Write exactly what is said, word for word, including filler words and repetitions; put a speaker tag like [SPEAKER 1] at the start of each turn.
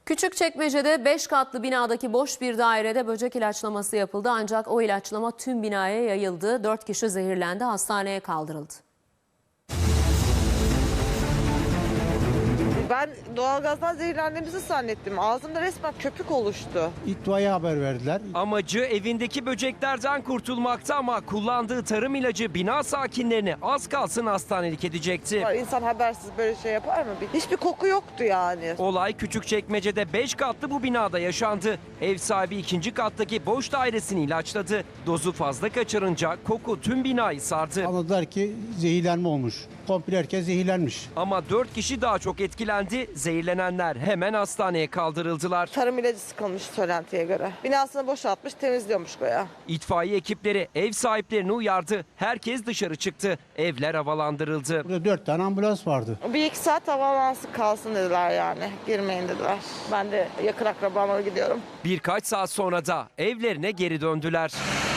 [SPEAKER 1] Küçükçekmece'de beş katlı binadaki boş bir dairede böcek ilaçlaması yapıldı ancak o ilaçlama tüm binaya yayıldı. dört kişi zehirlendi, hastaneye kaldırıldı.
[SPEAKER 2] Ben doğalgazdan zehirlendiğimizi zannettim. Ağzımda resmen köpük oluştu.
[SPEAKER 3] İtfaiye haber verdiler.
[SPEAKER 4] Amacı evindeki böceklerden kurtulmaktı ama kullandığı tarım ilacı bina sakinlerini az kalsın hastanelik edecekti.
[SPEAKER 2] İnsan habersiz böyle şey yapar mı? Hiçbir koku yoktu yani.
[SPEAKER 4] Olay Küçükçekmece'de beş katlı bu binada yaşandı. Ev sahibi ikinci kattaki boş dairesini ilaçladı. Dozu fazla kaçırınca koku tüm binayı sardı.
[SPEAKER 3] Anladılar ki zehirlenme olmuş. Komple herkes zehirlenmiş.
[SPEAKER 4] Ama dört kişi daha çok etkilendi. Zehirlenenler hemen hastaneye kaldırıldılar.
[SPEAKER 2] Tarım ilacı sıkılmış söylentiye göre. Binasını boşaltmış, temizliyormuş goya.
[SPEAKER 4] İtfaiye ekipleri ev sahiplerini uyardı. Herkes dışarı çıktı. Evler havalandırıldı.
[SPEAKER 3] Burada dört tane ambulans vardı.
[SPEAKER 2] Bir iki saat havalansın kalsın dediler yani. Girmeyin dediler. Ben de yakın akrabama gidiyorum.
[SPEAKER 4] Birkaç saat sonra da evlerine geri döndüler.